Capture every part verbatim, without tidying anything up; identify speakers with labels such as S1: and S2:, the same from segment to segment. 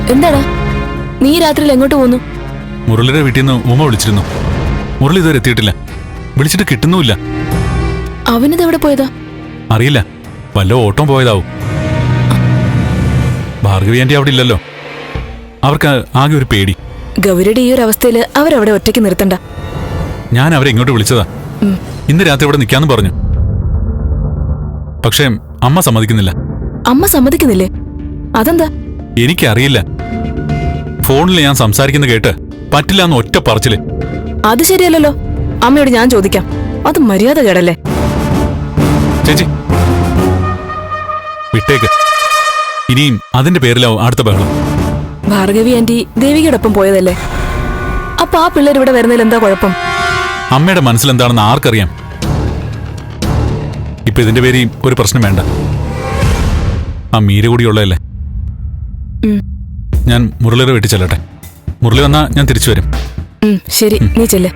S1: എന്താടാ നീ രാത്രിയിൽ എങ്ങോട്ട് പോന്നു?
S2: മുരളിയുടെ വീട്ടിൽ നിന്ന് ഉമ്മ വിളിച്ചിരുന്നു. മുരളി ഇതുവരെ എത്തിയിട്ടില്ല. വിളിച്ചിട്ട് കിട്ടുന്നുമില്ല.
S1: അവനിത് എവിടെ പോയതാ?
S2: അറിയില്ല. വല്ല ഓട്ടം പോയതാവും. ഭാർഗവി ആന്റി അവിടെ ഇല്ലല്ലോ. അവർക്ക് ആകെ ഒരു പേടി.
S1: ഗൗരിയുടെ ഈ ഒരു അവസ്ഥയില് അവരവിടെ ഒറ്റയ്ക്ക് നിർത്തണ്ട.
S2: ഞാൻ അവരെ ഇങ്ങോട്ട് വിളിച്ചതാ. ഇന്ന് രാത്രി ഇവിടെ നിൽക്കാന്ന് പറഞ്ഞു. പക്ഷേ അമ്മ സമ്മതിക്കുന്നില്ല.
S1: അമ്മ സമ്മതിക്കുന്നില്ലേ? അതെന്താ?
S2: എനിക്കറിയില്ല. ഫോണിൽ ഞാൻ സംസാരിക്കുന്ന കേട്ട് പറ്റില്ല എന്ന് ഒറ്റ പറച്ചില്.
S1: അത് ശരിയല്ലല്ലോ. അമ്മയോട് ഞാൻ ചോദിക്കാം. അത് മര്യാദ കേടല്ലേ?
S2: ചേച്ചി വിട്ടേക്ക്. ഇനിയും അതിന്റെ പേരിലാവും അടുത്ത ബഹളം.
S1: ഭാർഗവി ആന്റി ദേവികയോടൊപ്പം പോയതല്ലേ? അപ്പൊ ആ പിള്ളേർ ഇവിടെ വരുന്നതിൽ എന്താ കുഴപ്പം?
S2: അമ്മയുടെ മനസ്സിലെന്താണെന്ന് ആർക്കറിയാം. ഇപ്പൊ ഇതിന്റെ പേര് ഒരു പ്രശ്നം വേണ്ട. ആ മീര കൂടിയുള്ളതല്ലേ. ഞാൻ മുരളിയുടെ വീട്ടിൽ ചെല്ലട്ടെ. മുരളി വന്നാ ഞാൻ തിരിച്ചു വരും.
S1: ശരി, നീ ചെല്ല്.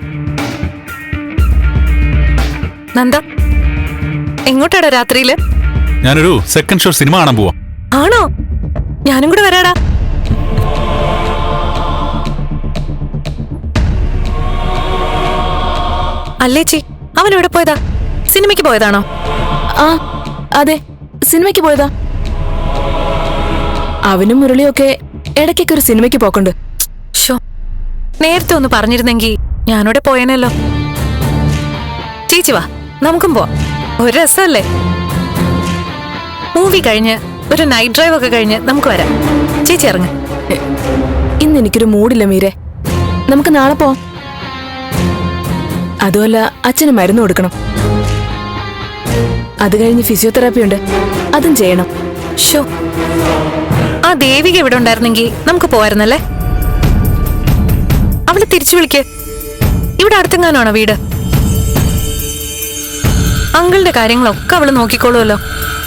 S3: നന്ദ, എങ്ങോട്ടാടാ രാത്രിയില്?
S2: ഞാനൊരു സെക്കൻഡ് ഷോ സിനിമ കാണാൻ പോവാ.
S3: ആണോ? ഞാനും കൂടെ വരാടാ. അല്ലേച്ചി, അവൻ എവിടെ പോയതാ? സിനിമയ്ക്ക് പോയതാണോ?
S1: ആ അതെ, സിനിമയ്ക്ക് പോയതാ. അവനും മുരളിയൊക്കെ ഇടയ്ക്കൊക്കെ ഒരു സിനിമയ്ക്ക് പോക്കുണ്ട്.
S3: ഷോ, നേരത്തെ ഒന്ന് പറഞ്ഞിരുന്നെങ്കി ഞാനോടെ പോയേനല്ലോ. ചേച്ചി വാ, നമുക്കും പോവാം. ഒരു രസമല്ലേ? മൂവി കഴിഞ്ഞ് ഒരു നൈറ്റ് ഡ്രൈവ് ഒക്കെ കഴിഞ്ഞ് നമുക്ക് വരാം. ചേച്ചി ഇറങ്ങ്.
S1: ഇന്ന് എനിക്കൊരു മൂഡില്ല മീരെ. നമുക്ക് നാളെ പോവാം. അതുമല്ല, അച്ഛന് മരുന്ന് കൊടുക്കണം. അത് കഴിഞ്ഞ് ഫിസിയോതെറാപ്പി ഉണ്ട്, അതും ചെയ്യണം.
S3: ഷോ, ആ ദേവിക ഇവിടെ ഉണ്ടായിരുന്നെങ്കിൽ നമുക്ക് പോവായിരുന്നല്ലേ? അവള് തിരിച്ചു വിളിക്ക്. ഇവിടെ അടുത്തെങ്ങാനാണോ വീട്? അങ്കിളുടെ കാര്യങ്ങളൊക്കെ അവള് നോക്കിക്കോളുമല്ലോ.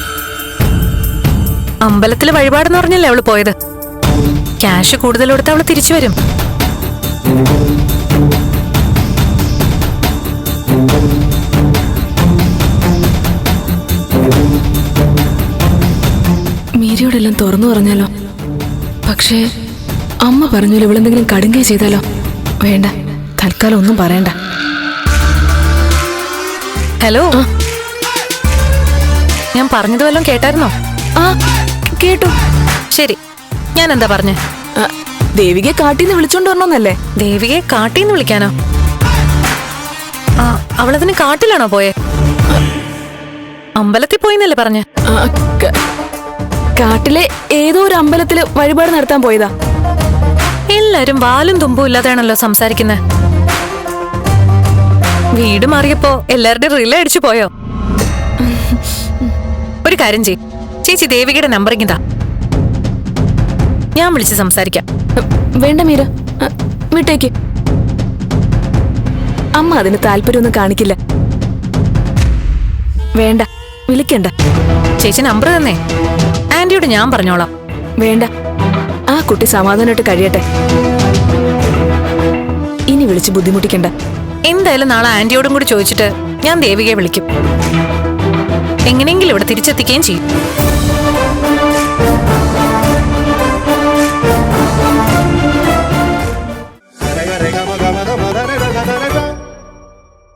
S3: അമ്പലത്തില് വഴിപാടെന്ന് പറഞ്ഞല്ലേ അവള് പോയത്. ക്യാഷ് കൂടുതൽ കൊടുത്ത് അവള് തിരിച്ചു വരും.
S1: മീരയോടെല്ലാം തുറന്നു പറഞ്ഞാലോ? പക്ഷേ അമ്മ പറഞ്ഞല്ലോ ഇവളെന്തെങ്കിലും കടുങ്കൈ ചെയ്താലോ? വേണ്ട, തൽക്കാലം ഒന്നും പറയണ്ട.
S3: ഹലോ, ഞാൻ പറഞ്ഞത് വല്ലതും കേട്ടായിരുന്നോ?
S1: ആ കേട്ടു.
S3: ശരി, ഞാൻ എന്താ പറഞ്ഞേ?
S1: ദേവികയെ കാട്ടിന്ന് വിളിച്ചോണ്ട് വരണോന്നല്ലേ?
S3: ദേവികയെ കാട്ടിന്ന് വിളിക്കാനോ? ആ, അവളതിന് കാട്ടിലാണോ പോയേ? അമ്പലത്തിൽ പോയിന്നല്ലേ പറഞ്ഞേ?
S1: കാട്ടിലെ ഏതോ ഒരു അമ്പലത്തില് വഴിപാട് നടത്താൻ പോയതാ.
S3: എല്ലാരും വാലും തുമ്പും ഇല്ലാതെയാണല്ലോ സംസാരിക്കുന്നത്. വീട് മാറിയപ്പോ എല്ലാവരുടെയും റിലേ അടിച്ചു പോയോ? ഒരു കാര്യം ചെയ്, ചേച്ചി ദേവികയുടെ നമ്പർ ഇങ്ങതാ, ഞാൻ വിളിച്ച് സംസാരിക്കാം.
S1: വേണ്ട മീര, വിട്ടേക്ക്. അമ്മ അതിന് താല്പര്യമൊന്നും കാണിക്കില്ല. വേണ്ട, വിളിക്കണ്ട.
S3: ചേച്ചി നമ്പർ തന്നേ, ആന്റിയോട് ഞാൻ പറഞ്ഞോളാം.
S1: വേണ്ട, ആ കുട്ടി സമാധാനമായിട്ട് കഴിയട്ടെ. ഇനി വിളിച്ച് ബുദ്ധിമുട്ടിക്കണ്ട.
S3: എന്തായാലും നാളെ ആന്റിയോടും കൂടി ചോദിച്ചിട്ട് ഞാൻ ദേവികയെ വിളിക്കും. എങ്ങനെയെങ്കിലും ഇവിടെ തിരിച്ചെത്തിക്കുകയും ചെയ്യും.